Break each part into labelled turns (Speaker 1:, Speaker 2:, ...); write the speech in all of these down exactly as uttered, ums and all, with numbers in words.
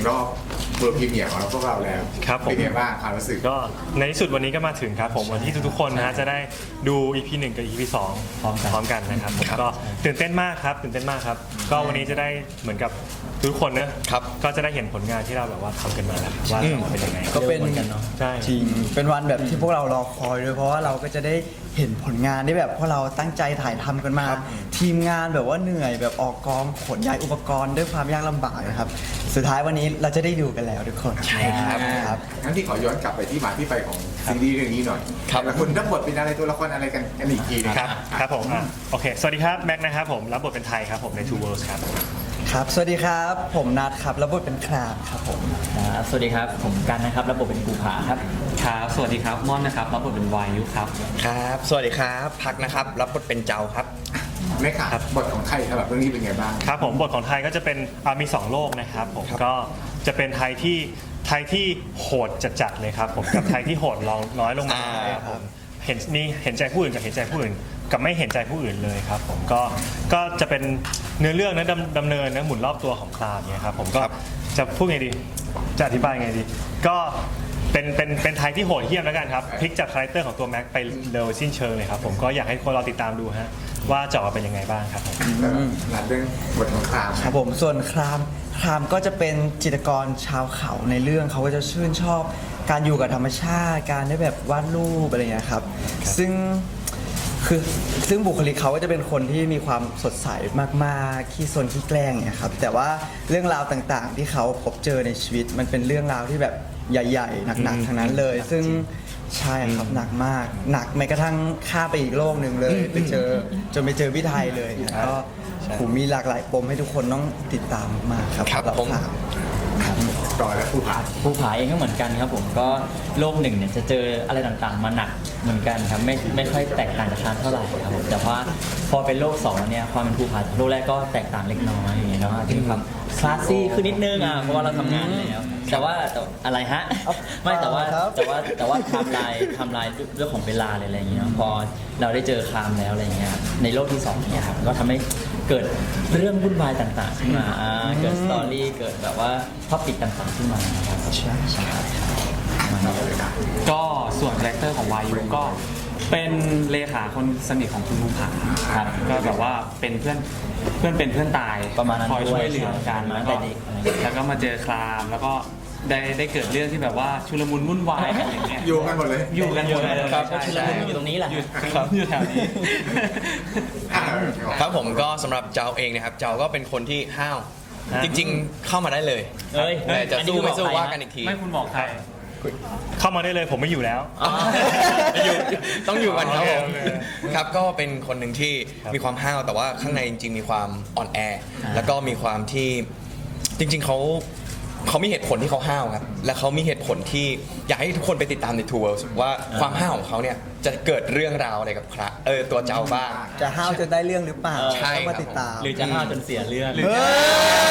Speaker 1: รอบเวิร์พรีเมียร์ของเราพวกเราแล้ว
Speaker 2: ครับผม
Speaker 1: เป็นไงบ้างความรู้สึก
Speaker 2: ก็ในที่สุดวันนี้ก็มาถึงครับผมวันที่ทุกๆคนนะฮะจะได้ดู อี พี หนึ่งกับ อี พี สองพร้อมกันพร้อมกันนะครับผมก็ตื่นเต้นมากครับตื่นเต้นมากครับก็วันนี้จะได้เหมือนกับทุกคนนะครับก็จะได้เห็นผลงานที่เราแบบว่าทำกันมาแล้วว่าจะออกมาเป็นยังไง
Speaker 3: ก็เป็น
Speaker 2: ใช่
Speaker 3: จริงเป็นวันแบบที่พวกเรารอคอยด้วยเพราะว่าเราก็จะได้เห็นผลงานที่แบบพวกเราตั้งใจถ่ายทำกันมา ทีมงานแบบว่าเหนื่อยแบบออกกองขนย้ายอุปกรณ์ด้วยความยากลำบากนะครับสุดท้ายวันนี้เราจะได้ดูกันแล้วทุกคนใช่ครับครับ
Speaker 1: งั้นที่ขอย้อนกลับไปที่มาที่ไปของซีรีส์เรื่องนี้หน่อย
Speaker 2: ครับ
Speaker 1: แต่ละคนรับบทเป็นอะไรตัวละครอะไรกันกันอีกทีหนึง
Speaker 2: ครับครับผมอ่ะโอเคสวัสดีครับแม็กนะครับผมรับบทเป็นไทยครับผมใน Two Worlds ครับ
Speaker 3: ครับสวัสดีครับผมนัทครับรับบทเป็นครามครับผม
Speaker 4: ครับสวัสดีครับผมกันนะครับรับบทเป็นภูผาครับ
Speaker 5: ครับสวัสดีครับม่อนนะครับรับบทเป็นวายุครับ
Speaker 6: ครับ สวัสดีครับ พักนะครับ รับบทเป็นเจ้าครับ
Speaker 1: แม่ค่ะบทของไทยสำหรับเรื่องนี้เป็นไงบ้าง
Speaker 2: ครับผมบทของไทยก็จะเป็นอ่ามีสองโลกนะครับผม
Speaker 6: ครับ
Speaker 2: ก็จะเป็นไทยที่ไทยที่โหดจัดๆเลยครับผมกับไทยที่โหดลองน้อยลงมาครับผมเห็นมีเห็นใจผู้อื่นกับเห็นใจผู้อื่นกับไม่เห็นใจผู้อื่นเลยครับผมก็ก็จะเป็นเนื้อเรื่องนะดำดำเนินนะหมุนรอบตัวของคลาเนี่ยครับผมก็จะพูดไงดีจะอธิบายไงดี ก็เป็นเป็นเป็นไทยที่โหดเหี้ยมแล้วกันครับพลิกจากคาแรคเตอร์ของตัวแม็กไปเร็วสิ้นเชิงเลยครับผมก็อยากให้คนเราติดตามดูฮะว่าจะออกมาเป็นยังไงบ้างครับผม
Speaker 1: หลังเรื่องบทของคราม
Speaker 3: ครับผมส่วนครามครามก็จะเป็นจิตรกรชาวเขาในเรื่องเขาก็จะชื่นชอบการอยู่กับธรรมชาติการได้แบบวาดรูปอะไรเงี้ยครับซึ่งคือซึ่งบุคลิกเขาก็จะเป็นคนที่มีความสดใสมากๆขี้ซนขี้แกล้งเนี่ยครับแต่ว่าเรื่องราวต่างๆ ที่เขาพบเจอในชีวิตมันเป็นเรื่องราวที่แบบใหญ่ๆหนักๆทั้งนั้นเลย ซึ่งใช่ครับหนักมากหนักแม้กระทั่งข้ามไปอีกโลกหนึ่งเลยไปเจอจนไปเจอพี่ไทยเลยก็ผมมีหลากหลายปมให้ทุกคนต้องติดตามมากครับ
Speaker 6: ครับ
Speaker 3: สำห
Speaker 6: ผม
Speaker 3: ข่าว
Speaker 1: ต่อแล้วผู้ผ่าน
Speaker 4: ภูผาเองก็เหมือนกันครับผมก็โลกหนึ่งเนี่ยจะเจออะไรต่างๆ มาหนักเหมือนกันครับไม่ไม่ค่อยแตกต่างจากทางเท่าไหร่ครับผมแต่ว่าพอเป็นโลกสองเนี่ยความเป็นภูผาจากโลกแรกก็แตกต่างเล็กน้อยอย่างเงี้ยเนาะอาจจะมีความคลาสซี่ขึ้นนิดนึงอ่ะเพราะว่าเราทำงานแล้วแต่ว่าแต่อะไรฮะไม่แต่ว่าแต่ว่าแต่ว่าไทม์ไลน์ไทม์ไลน์เรื่องของเวลาอะไรอย่างเงี้ยเนาะพอเราได้เจอครามแล้วอะไรอย่างเงี้ยในโลกที่สองเนี่ยครับก็ทำให้เกิดเรื่องวุ่นวายต่างๆขึ้นมาอ่าเกิดสตอรี่เกิดแบบว่าท็อปิกต่างๆขึ้นมาครับใช่ใช่ครับมาเนาะ
Speaker 5: ก็ส่วนคาแรคเตอร์ของวายุก็เป็นเลขาคนสนิทของคุณภูผาครับก็แบบว่าเป็นเพื่อนเพื่อนเป็นเพื่อนตาย
Speaker 4: ประมาณนั้น
Speaker 5: คอยช่วยเหลือกัน
Speaker 4: ด้วย
Speaker 5: แล้วก็
Speaker 4: ตั้งแต่เด็กอะไรอย่างเงี้ย
Speaker 5: แล้วก็มาเจอครามแล้วก็ได้ได้เกิดเรื่องที่แบบว่าชุลมุนวุ่นวายกันอย่างเงี้ย
Speaker 1: อยู่กันหมดเลย
Speaker 5: อยู่กันหมดเลย
Speaker 4: ครับ
Speaker 5: ใช่
Speaker 4: ชุล
Speaker 5: ใช่
Speaker 4: มุนอยู่ตรงนี้แหละ
Speaker 5: อยู่ครับอยู่แถวนี้
Speaker 1: อ่ะ
Speaker 6: ครับผมก็สำหรับเจ้าเองนะครับ เจ้าก็เป็นคนที่ห้าว
Speaker 2: ฮะ
Speaker 6: จริงๆ เข้ามาได้เลย
Speaker 4: เอ้ย
Speaker 6: แต่จะ
Speaker 4: อันนี้
Speaker 6: สู้ไม่สู้
Speaker 4: บอกใคร
Speaker 6: ว่า
Speaker 4: ฮะ
Speaker 6: กันอีกที
Speaker 5: ไม่คุณบอกใคร
Speaker 2: เข้ามาได้เลยผมไม่อยู่แล้ว
Speaker 6: อ๋ออยู่ต้องอยู่กันครับผม
Speaker 2: โอเคโอเค
Speaker 6: ครับก็เป็นคนหนึ่งที่มีความห้าวแต่ว่าข้างในจริงๆ มีความอ่อนแอ แล้วก็มีความที่จริงๆเขาเขามีเหตุผลที่เขาห้าวครับและเขามีเหตุผลที่อยากให้ทุกคนไปติดตามใน Two Worlds ว่าความห้าวของเขาเนี่ยจะเกิดเรื่องราวอะไรกับพระเออตัวเจ้าบ้าง
Speaker 3: จะห้าวจะได้เรื่องหรือเปล่า
Speaker 6: ใช่
Speaker 3: ต้องมา
Speaker 6: ครับ
Speaker 3: ติดตาม
Speaker 4: หรือจะห้าวจนเสียเรื่อง
Speaker 3: เฮ้ย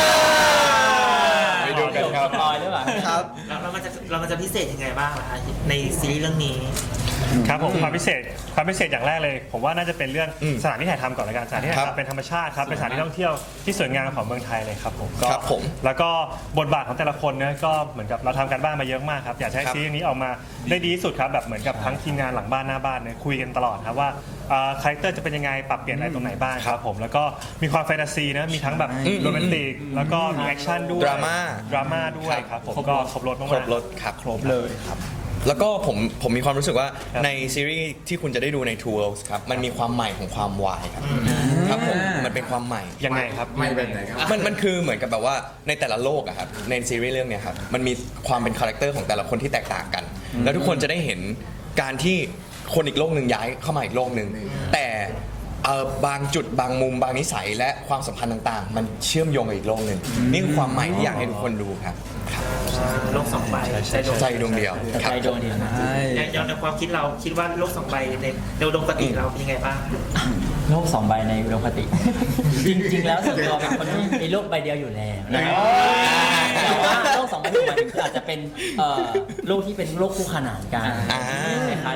Speaker 6: ไปดูกันครับ
Speaker 4: สปอยหรือเปล่า
Speaker 3: ครับ
Speaker 7: แล้วเรามันจะเรามันจะพิเศษยังไงบ้างล่ะคะในซีรีส์เรื่องนี้
Speaker 2: ครับผมความพิเศษความพิเศษอย่างแรกเลย ผมว่าน่าจะเป็นเรื่อง
Speaker 6: อืม
Speaker 2: สถานที่ถ่ายทำก่อนละกันสถานที่ถ่าย
Speaker 6: ครับ
Speaker 2: ทำเป็นธรรมชาติครับเป็นสถานที่ท่องเที่ยวที่สวยงามของเมืองไทยเลยครับผมก็
Speaker 6: ครับผม
Speaker 2: แล้วก็บทบาทของแต่ละคนเนี่ยก็เหมือนกับเราทำกันบ้านมาเยอะมากครับอยากจะให้
Speaker 6: ครับ
Speaker 2: ซีรีส์นี้ออกมาได้ดีที่สุดครับแบบเหมือนกับทั้งทีมงานหลังบ้านหน้าบ้านเนี่ยคุยกันตลอดครับว่าเอ่อคาแรคเตอร์จะเป็นยังไงปรับเปลี่ยนอะไรตรงไหนบ้างครับผมแล้วก็มีความแฟนตาซีนะมีทั้งแบบ
Speaker 6: อืม
Speaker 2: โรแมนติกแล้วก็มีแอคชั่นด้วย
Speaker 6: ดราม่า
Speaker 2: ดราม่าด้วยครับผมก็ครบรถมากๆ
Speaker 6: ครบรถครับครบเลยครับ แล้วก็ผมผมมีความรู้สึกว่า
Speaker 2: ครับ
Speaker 6: ในซีรีส์ที่คุณจะได้ดูใน Two Worlds ครับมันมีความใหม่ของความวายครับครับผมมันเป็นความใหม่
Speaker 2: ยังไงครับ
Speaker 1: ไม่เป็นไหนครับ
Speaker 6: มันมันคือเหมือนกับแบบว่าในแต่ละโลกอะครับในซีรีส์เรื่องเนี้ยครับมันมีความเป็นคาแรคเตอร์ของแต่ละคนที่แตกต่างกัน แล้วทุกคนจะได้เห็นการที่คนอีกโลกหนึ่งย้ายเข้ามาอีกโลกหนึ่งแต่เอ่อบางจุดบางมุมบางนิสัยและความสัมพันธ์ต่างๆ มันเชื่อมโยงกับอีกโลกหนึ่งนี่คือความใหม่ที่อยากให้ทุกคนดูครับ
Speaker 7: โลกสองใบใจดวง
Speaker 6: ใจดวงเดียว
Speaker 4: แต่
Speaker 6: ครับ
Speaker 4: ใจดวงเดียวนะ
Speaker 3: ใช่
Speaker 7: ย้อนในความคิดเราคิดว่าโลกสองใบในในอุดมคติเราเป็นยังไงบ้าง
Speaker 4: โลกสองใบในอุดมคติ จริง ๆ แล้วส่วนตัวเป็นคนที่มีโลกใบเดียวอยู่แล้วนะครับแต่ว่าโลกสองใบหมายถึงคืออาจจะเป็นเอ่อโลกที่เป็นโลกคู่ขนานกัน
Speaker 6: อ่า
Speaker 4: คล้ายๆโลก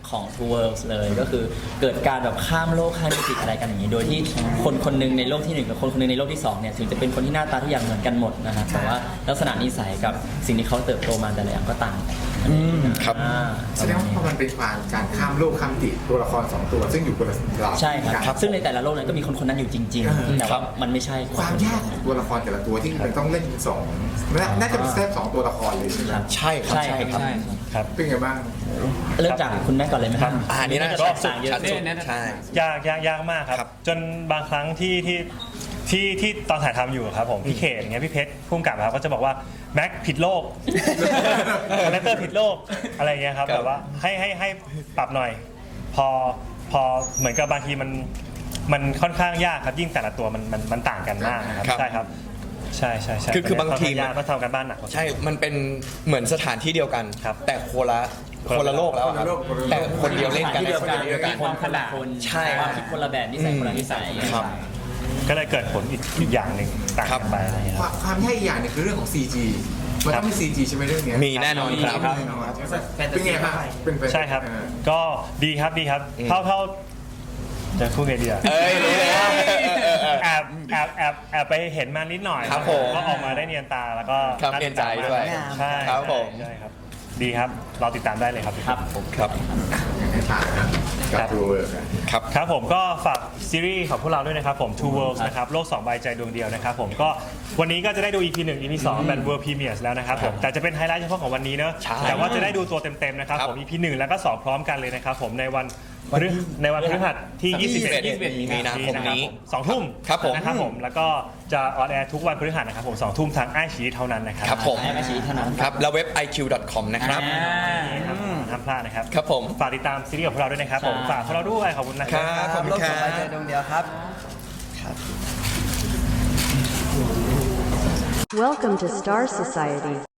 Speaker 4: ของ Two Worlds เลยก็คือเกิดการแบบข้ามโลกข้ามมิติอะไรกันอย่างนี้โดยที่คนคนหนึงในโลกที่หนึ่งกับคนคนหนึงในโลกที่สองเนี่ยถึงจะเป็นคนที่หน้าตาทุกอย่างเหมือนกันหมดนะฮะแต่ว่าลักษณะนิสัยกับสิ่งที่เขาเติบโตมาแต่ละอย่างก็ต่างกัน
Speaker 6: ครับ
Speaker 4: อ่า
Speaker 1: แสดงว่าพอมันเป็นความการข้ามโลกข้ามติตัวละครสองตัว ซึ่งอยู่คนละเรา
Speaker 4: ใช่ครับซึ่งในแต่ละโลกนั้นก็มีคนคนนั้นอยู่จริงๆแต่ว่ามันไม่ใช่
Speaker 1: ความยากของตัวละครแต่ละตัวที่มันต้องเล่นสองน่าน่าจะเป็นแทบสองตัวละครเลยใช่ไหม
Speaker 6: ใช่ครับ
Speaker 4: ใช่
Speaker 6: ใช่
Speaker 4: ครับ
Speaker 6: ครับ
Speaker 5: ใช่
Speaker 2: ครับ
Speaker 1: เป็นไงบ้าง
Speaker 4: เริ่มจากคุณแม่ก่อนเลยไหมครับ
Speaker 6: อ่านี่น่าจะ
Speaker 4: แตกต่างเยอะ
Speaker 6: ชัดสุด
Speaker 5: เนี่ย
Speaker 6: ใช่
Speaker 2: ยากยากยากมากค
Speaker 6: ครั
Speaker 2: รับ
Speaker 6: บ
Speaker 2: จนบางครั้งที่ที่ที่ที่ตอนถ่ายทำอยู่ครับผมพี่เขตอย่างเงี้ยพี่เพชรพุ่มกับครับก็จะบอกว่าแม็กผิดโลกคาแรคเตอร์ผิดโลกอะไรเงี้ยครับ
Speaker 6: ครับ
Speaker 2: แบบว่าให้ให้ให้ปรับหน่อย พอพอเหมือนกับบางทีมันมันค่อนข้างยากครับยิ่งแต่ละตัวมันมันมันต่างกันมากนะครับ
Speaker 6: ครับ
Speaker 2: ใช่ครับใช่ใช่ใช่
Speaker 6: คือคือบางที
Speaker 2: ค่นข้ยากก็ทำกันบ้านหนัก
Speaker 6: ใช่ มันเป็นเหมือนสถานที่เดียวกัน
Speaker 2: ครับ
Speaker 6: แต่โคนละคนละโลกแล้วอะครับ
Speaker 1: คนละโลกคนละโลก
Speaker 6: แต่คนเดียวเล่นกัน
Speaker 4: ที่เดียวกัน
Speaker 6: คนเดียวกัน
Speaker 4: ความคนละคน
Speaker 6: ใช่
Speaker 4: ความคิดคนละแบบนิสัยคนละนิสัย
Speaker 6: ครับ
Speaker 2: ก็เลยเกิดผลอีกอีกอย่างหนึ่งต่าง
Speaker 6: ครั
Speaker 2: กับ นไปอะไรเงี้ย
Speaker 1: ค
Speaker 2: ครั
Speaker 1: วา
Speaker 2: บ
Speaker 1: มความยากอีกอย่างหนึงคือเรื่องของ ซี จี มันต้องมี ซี จี ใช่ไหมเรื่องเนี้ย
Speaker 6: มีแน่นอนครับ
Speaker 1: แน่นอนใช่ไหมเป็นไงบ้างเป็นไป
Speaker 2: ใช่ครับ
Speaker 1: เออ
Speaker 2: ก็ดีครับดีครับ เท่าเท่าจะพูดไงดีอะ
Speaker 6: เอ้ยรู้เลยอะเออเออเออ
Speaker 2: แอบแอบแอบแอบไปเห็นมานิดหน่อย
Speaker 6: ครับผม
Speaker 2: ก็ออกมาได้เนียนตาแล้วก็
Speaker 6: ครับเนียนใจด้วย
Speaker 2: ใช่
Speaker 6: ครับผม
Speaker 2: ใช่ครับ ดีครับเราติดตามได้เลยครับ
Speaker 4: ครับผม
Speaker 6: ครับ
Speaker 1: ให้ผ่านนะกับดูเวิร์กอะ
Speaker 6: ครับ
Speaker 2: ครับผมก็ฝากซีรีส์ของพวกเราด้วยนะครับผม Two Worlds นะครับโลกสองใบใจดวงเดียวนะครับผมก็วันนี้ก็จะได้ดู อี พี หนึ่ง อี พี สองแบบ World Premiere แล้วนะครับผมแต่จะเป็นไฮไลท์เฉพาะของวันนี้เนอะ
Speaker 6: ใช่
Speaker 2: แต่ว่าจะได้ดูตัวเต็มๆนะครับ
Speaker 6: ครับ
Speaker 2: ผม อี พี หนึ่ง แล้วก็สองพร้อมกันเลยนะครับผมในวันพฤในวันพฤหัสที่ ยี่สิบเอ็ด
Speaker 6: ยี่สิบเอ็ดมีนาคมนี้
Speaker 2: สองทุ่ม
Speaker 6: ครับผม
Speaker 2: นะครับผมแล้วก็จะออนแอร์ทุกวันพฤหัสนะครับผมสองทุ่มทางไอชีเท่านั้นนะครับ
Speaker 6: ครับผม
Speaker 4: ให้มาชี้เท่านั้น
Speaker 6: ครับ แล้วเว็บ ไอ คิว ดอท คอม นะครับ
Speaker 4: อ่า
Speaker 2: ครับห้ามพลาดนะครับ
Speaker 6: ครับผม
Speaker 2: ฝากติดตามซีรีส์ของพวกเราด้วยนะครับผม
Speaker 4: ใช่
Speaker 2: ฝากพวกเราด้วยขอบคุณนะค
Speaker 6: ค
Speaker 2: รั
Speaker 6: รับ บ ขอบคุณ
Speaker 3: โลก
Speaker 6: ค
Speaker 3: ส
Speaker 6: รั
Speaker 3: องใบใจ
Speaker 6: บ
Speaker 3: ดวงเดียวครับ
Speaker 8: Welcome to Star Society.